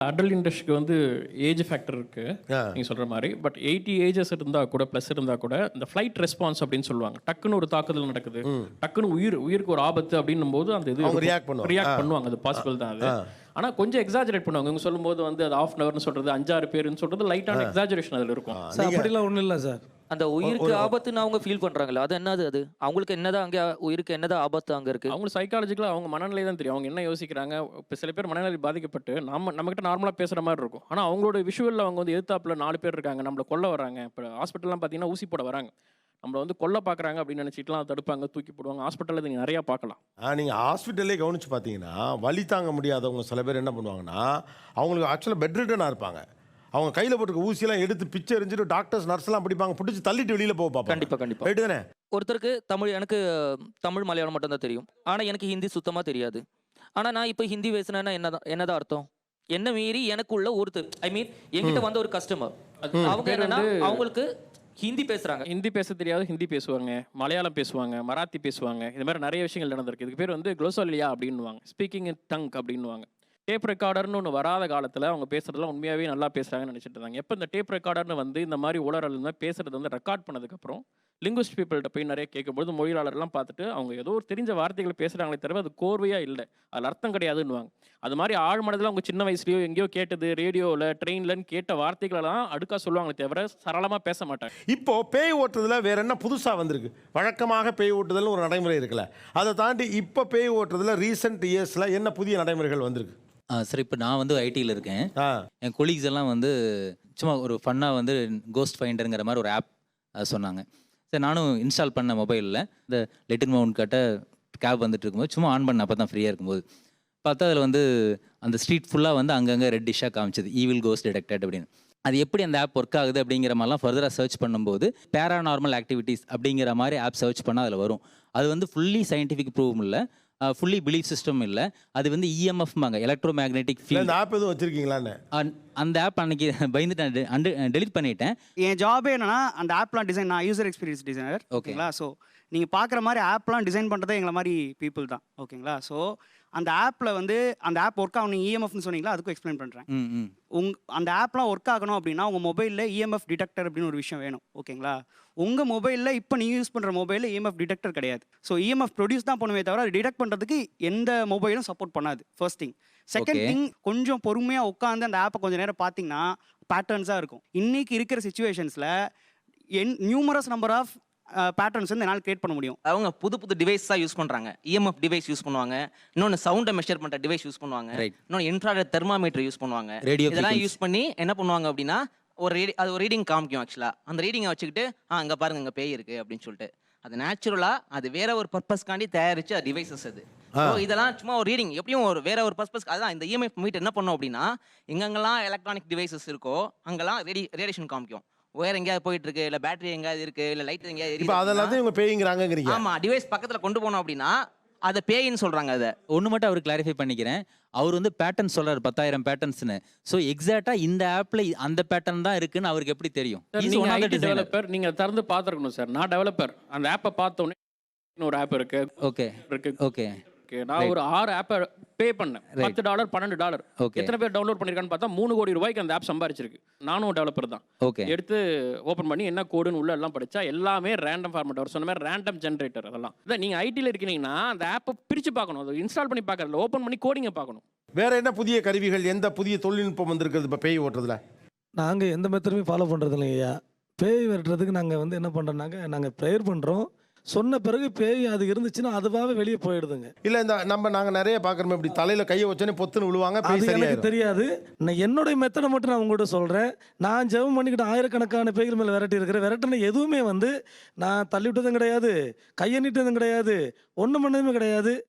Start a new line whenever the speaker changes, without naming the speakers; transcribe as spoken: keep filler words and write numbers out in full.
Adult இண்டஸ்ட்ரிக்கு வந்து age factor இருக்கு
ஆ.
நீங்க சொல்ற மாதிரி. பட் எயிட்டி ஏஜஸ் இருந்தா கூட ப்ளஸ் இருந்தா கூட இந்த ஃப்ளைட் ரெஸ்பான்ஸ் அப்படின்னு சொல்லுவாங்க. டக்குன்னு ஒரு தாக்குதல் நடக்குது, டக்குன்னு உயிர் உயிருக்கு ஒரு ஆபத்து அப்படின்னும் போது அந்த இது
அவங்க react பண்ணுவாங்க.
ரியாக்ட் பண்ணுவாங்க. அது பாசிபிள் தான் அது. ஆனா கொஞ்சம் எக்ஸாஜரேட் பண்ணுவாங்க. இவங்க சொல்லும்போது வந்து அது ஆஃப் அன் ஹவர்னு சொல்றது, அஞ்சாறு பேருன்னு சொல்றது லைட்டான எக்ஸாஜரேஷன் அதுல இருக்கும்.
சார் அப்படிலாம் ஒன்றும் இல்லை சார்.
அந்த உயிருக்கு ஆபத்துன்னு அவங்க ஃபீல் பண்றாங்களா? அது என்னது? அது அவங்களுக்கு என்னதான் அங்க உயிருக்கு என்னதான் ஆபத்து அங்க இருக்கு?
அவங்க சைக்காலஜிக்கலாக அவங்க மனநிலை தான் தெரியும். அவங்க என்ன யோசிக்கிறாங்க. இப்போ சில பேர் மனநிலை பாதிக்கப்பட்டு நம்ம நம்மகிட்ட நார்மலாக பேசுகிற மாதிரி இருக்கும். ஆனால் அவங்களோட விஷுவலில் அவங்க வந்து எதிர்த்தாப்புல நாலு பேர் இருக்காங்க, நம்மளை கொல்ல வராங்க. இப்போ ஹாஸ்பிட்டல்லாம் பார்த்தீங்கன்னா ஊசி போட வராங்க, நம்மளை வந்து கொல்ல பார்க்குறாங்க அப்படின்னு நினச்சிட்டுலாம் தடுப்பாங்க, தூக்கி போடுவாங்க. ஹாஸ்பிட்டலில் நீங்கள் நிறையா பார்க்கலாம்.
ஆ நீங்கள் ஹாஸ்பிட்டல்லே கவனிச்சு பார்த்தீங்கன்னா வலி தாங்க முடியாதவங்க சில பேர் என்ன பண்ணுவாங்கன்னா அவங்களுக்கு ஆக்சுவலாக பெட் ரிட்டனாக இருப்பாங்க. அவங்க கையில் போட்டுக்க ஊசியெல்லாம் எடுத்து பிச்சை எரிஞ்சிட்டு டாக்டர்ஸ் நர்ஸ்லாம் பிடிப்பாங்க, பிடிச்சி தள்ளிட்டு வெளியில் போக பார்ப்பாங்க.
கண்டிப்பா கண்டிப்பா.
ரைட்டு தானே?
ஒருத்தருக்கு தமிழ், எனக்கு தமிழ் மலையாளம் மட்டும் தான் தெரியும். ஆனா எனக்கு ஹிந்தி சுத்தமா தெரியாது. ஆனா நான் இப்போ ஹிந்தி பேசினேன்னா என்னதான் என்னதான் அர்த்தம்? என்ன மீறி எனக்குள்ள ஒருத்தர், ஐ மீன் என்கிட்ட வந்த ஒரு கஸ்டமர், அவங்க என்னன்னா அவங்களுக்கு ஹிந்தி பேசுறாங்க.
ஹிந்தி பேச தெரியாது, ஹிந்தி பேசுவாங்க, மலையாளம் பேசுவாங்க, மராத்தி பேசுவாங்க. இது மாதிரி நிறைய விஷயங்கள் நடந்திருக்கு. இதுக்கு பேர் வந்து குளோசோலியா அப்படின்னுவாங்க, ஸ்பீக்கிங் இன் டங் அப்படின்னுவாங்க. டேப் ரெக்கார்டர்னு ஒன்று வராத காலத்தில் அவங்க பேசுறதுலாம் உண்மையாகவே நல்லா பேசுகிறாங்கன்னு நினச்சிட்டு இருந்தாங்க. எப்போ இந்த டேப் ரெக்கார்டர்னு வந்து இந்த மாதிரி உலரில் இருந்தால் பேசுறது வந்து ரெக்கார்ட் பண்ணதுக்கப்புறம் லிங்குவிஸ்ட் பீப்புள்கிட்ட போய் நிறைய கேட்கும்போது மொழியாளர்லாம் பார்த்துட்டு அவங்க ஏதோ ஒரு தெரிஞ்ச வார்த்தைகளை பேசுகிறாங்களே தவிர அது கோர்வையாக இல்லை, அதில் அர்த்தம் கிடையாதுன்னுவாங்க. அது மாதிரி ஆழ்மனதில் அவங்க சின்ன வயசுலையோ எங்கேயோ கேட்டது, ரேடியோவில் ட்ரெயின்லன்னு கேட்ட வார்த்தைகளெல்லாம் அடுக்கா சொல்லுவாங்களே தவிர சரளமாக பேச மாட்டாங்க.
இப்போ பேய் ஓட்டுறதுல வேற என்ன புதுசாக வந்திருக்கு? வழக்கமாக பேய் ஓட்டுதல்னு ஒரு நடைமுறை இருக்குல்ல, அதை தாண்டி இப்போ பேய் ஓட்டுறதுல ரீசெண்ட் இயர்ஸில் என்ன புதிய நடைமுறைகள் வந்திருக்கு?
ஆ சார், இப்போ நான் வந்து ஐடியில் இருக்கேன்.
ஆ
என் கொலீக்ஸ் எல்லாம் வந்து சும்மா ஒரு ஃபன்னாக வந்து கோஸ்ட் ஃபைண்டருங்கிற மாதிரி ஒரு ஆப் சொன்னாங்க. சரி, நானும் இன்ஸ்டால் பண்ண மொபைலில் இந்த லெட்டின் மவுண்ட் கட்ட கேப் வந்துட்டு இருக்கும்போது சும்மா ஆன் பண்ண அப்போ தான் ஃப்ரீயாக இருக்கும்போது பார்த்தா அதில் வந்து அந்த ஸ்ட்ரீட் ஃபுல்லாக வந்து அங்கங்கே ரெட் டிஷ்ஷாக காமிச்சது, ஈவில் கோஸ்ட் டிடெக்டட் அப்படின்னு. அது எப்படி அந்த ஆப் ஒர்க் ஆகுது அப்படிங்கிற மாதிரிலாம் ஃபர்தராக சர்ச் பண்ணும்போது பேராநார்மல் ஆக்டிவிட்டீஸ் அப்படிங்கிற மாதிரி ஆப் சர்ச் பண்ணால் அதில் வரும். அது வந்து ஃபுல்லி சயின்டிஃபிக் ப்ரூவும் இல்லை, ஃபுல்லி பிலீஃப் சிஸ்டம் இல்லை, அது வந்து இஎம்எஃப்மாங்க, எலக்ட்ரோ மேக்னெட்டிக் ஃபீல்ட்.
இந்த ஆப் எதுவும் வச்சிருக்கீங்களான்னு?
அந்த ஆப் அன்னைக்கு பயந்துட்டு அண்டு டெலிட் பண்ணிட்டேன்.
என் ஜாபே என்னன்னா அந்த ஆப்லாம் டிசைன், நான் யூசர் எக்ஸ்பீரியன்ஸ் டிசைனர். ஓகேங்களா? ஸோ நீங்கள் பார்க்குற மாதிரி ஆப்லாம் டிசைன் பண்ணுறதே எங்களை மாதிரி பீப்புள் தான். ஓகேங்களா? ஸோ அந்த ஆப்பில் வந்து அந்த ஆப் ஒர்க் ஆகும், நீங்கள் இஎம்எஃப்னு சொன்னீங்களா, அதுக்கும் எக்ஸ்பிளைன் பண்ணுறேன். உங் அந்த ஆப்லாம் ஒர்க் ஆகணும் அப்படின்னா உங்கள் மொபைலில் இஎம்எஃப் டிடெக்டர் அப்படின்னு ஒரு விஷயம் வேணும். ஓகேங்களா? உங்கள் மொபைலில் இப்போ நீங்கள் யூஸ் பண்ணுற மொபைலில் இஎம்எஃப் டிடெக்டர் கிடையாது. ஸோ இஎம்எஃப் ப்ரொடியூஸ் தான் பண்ணுமே தவிர அது டிடெக்ட் பண்ணுறதுக்கு எந்த மொபைலும் சப்போர்ட் பண்ணாது. First thing. செகண்ட் திங், கொஞ்சம் பொறுமையாக உட்காந்து அந்த ஆப்பை கொஞ்சம் நேரம் பார்த்தீங்கன்னா பேட்டர்ன்ஸாக இருக்கும். இன்றைக்கி இருக்கிற சுச்சுவேஷன்ஸில் என் நியூமரஸ் நம்பர் ஆஃப் பேட்டர்ன்ஸ் வந்து என்னால் கிரியேட் பண்ண முடியும்.
அவங்க புது புது டிவைஸ் தான் யூஸ் பண்ணுறாங்க. இஎம்எஃப் டிவைஸ் யூஸ் பண்ணுவாங்க, இன்னொன்று சவுண்டை மெஷர் பண்ணுற டிவைஸ் யூஸ் பண்ணுவாங்க, இன்னொன்று இன்ஃப்ராரெட் தெர்மாமீட்டர் யூஸ் பண்ணுவாங்க. இதெல்லாம் யூஸ் பண்ணி என்ன பண்ணுவாங்க அப்படின்னா ஒரு ரீடி அது ஒரு ரீடிங் காமிக்கும். ஆக்சுவலாக அந்த ரீடிங்கை வச்சுக்கிட்டு ஆ அங்கே பாருங்க இங்கே பேய் இருக்குது அப்படின்னு சொல்லிட்டு அது நேச்சுரலாக அது வேற ஒரு பர்பஸ்க்காண்டி தயாரிச்ச டிவைசஸ் அது. ஸோ இதெல்லாம் சும்மா ஒரு ரீடிங், எப்படியும் ஒரு வேற ஒரு பர்பஸ். அதுதான் இந்த இஎம்எஃப் மீட்டர் என்ன பண்ணும் அப்படின்னா எங்கெங்கெல்லாம் எலக்ட்ரானிக் டிவைசஸ் இருக்கோ அங்கெல்லாம் ரேடி ரேடியேஷன் காமிக்கும். ஒயர் எங்கேயாவது போயிட்டு இருக்கு, இல்லை பேட்டரி எங்கேயாவது இருக்கு, இல்லை லைட் எங்கேயாவது இருக்கு,
அதெல்லாம் இவங்க பேய்ங்கறாங்கங்கறீங்க.
ஆமா, டிவைஸ் பக்கத்தில் கொண்டு போனோம் அப்படின்னா அதை பேயின்னு சொல்றாங்க. அதை
ஒன்று மட்டும் அவர் கிளாரிஃபை பண்ணிக்கிறேன். அவர் வந்து பேட்டர்ன் சொல்றாரு, பத்தாயிரம் பேட்டர்ன்ஸ்னு. ஸோ எக்ஸாக்டா இந்த ஆப்ல அந்த பேட்டர்ன் தான் இருக்குன்னு அவருக்கு எப்படி தெரியும்?
டெவலப்பர் நீங்க திறந்து பார்த்துருக்கணும் சார். நான் டெவலப்பர், அந்த ஆப்பை பார்த்த உடனே ஒரு ஆப் இருக்கு.
ஓகே
இருக்கு.
ஓகே
நான் ஒரு ஆறு ஆப்பை பே பண்ணேன், பத்து டாலர் பன்னெண்டு டாலர். எத்தனை பேர் டவுன்லோட் பண்ணிருக்கான்னு பார்த்தா மூணு கோடி ரூபாய்க்கு அந்த ஆப் சம்பாரிச்சிருக்கு. நானும் டெவலப்பர் தான்.
ஓகே
எடுத்து ஓப்பன் பண்ணி என்ன கோடுன்னு உள்ள எல்லாம் படிச்சா எல்லாமே ரேண்டம் ஃபார்மேட். அவர் சொன்ன மாதிரி ரேண்டம் ஜென்ரேட்டர். அதெல்லாம் இதான் நீங்க ஐடியில் இருக்கீங்கன்னா அந்த ஆப்பை பிரிச்சு பார்க்கணும், அதை இன்ஸ்டால் பண்ணி பார்க்கறதுல ஓப்பன் பண்ணி கோடிங்கை பார்க்கணும்.
வேற என்ன புதிய கருவிகள், எந்த புதிய தொழில்நுட்பம் வந்திருக்குது இப்போ பேய் ஓட்டுறதுல?
நாங்கள் எந்த மெத்தடுமே ஃபாலோ பண்ணுறது இல்லைங்கய்யா. பேய் விரட்டுறதுக்கு நாங்கள் வந்து என்ன பண்ணுறோம்னாக்க நாங்கள் ப்ரேயர் பண்ணுறோம். சொன்ன பிறகு பேய் அது இருந்துச்சுன்னா அதுவாகவே வெளியே போயிடுதுங்க.
இல்லை இந்த நம்ம நாங்கள் நிறைய பார்க்குறோமே இப்படி தலையில் கையை வச்சோன்னே பொத்துன்னு விழுவாங்க.
அது எனக்கு தெரியாது. நான் என்னுடைய மெத்தடை மட்டும் நான் உங்கள்கிட்ட சொல்கிறேன். நான் ஜெபம் பண்ணிக்கிட்டு ஆயிரக்கணக்கான பேய்கள் மேலே விரட்டி இருக்கிறேன். விரட்டின எதுவுமே வந்து நான் தள்ளி விட்டதும் கிடையாது, கையை நீட்டதும் கிடையாது, ஒன்றும் பண்ணதுமே கிடையாது.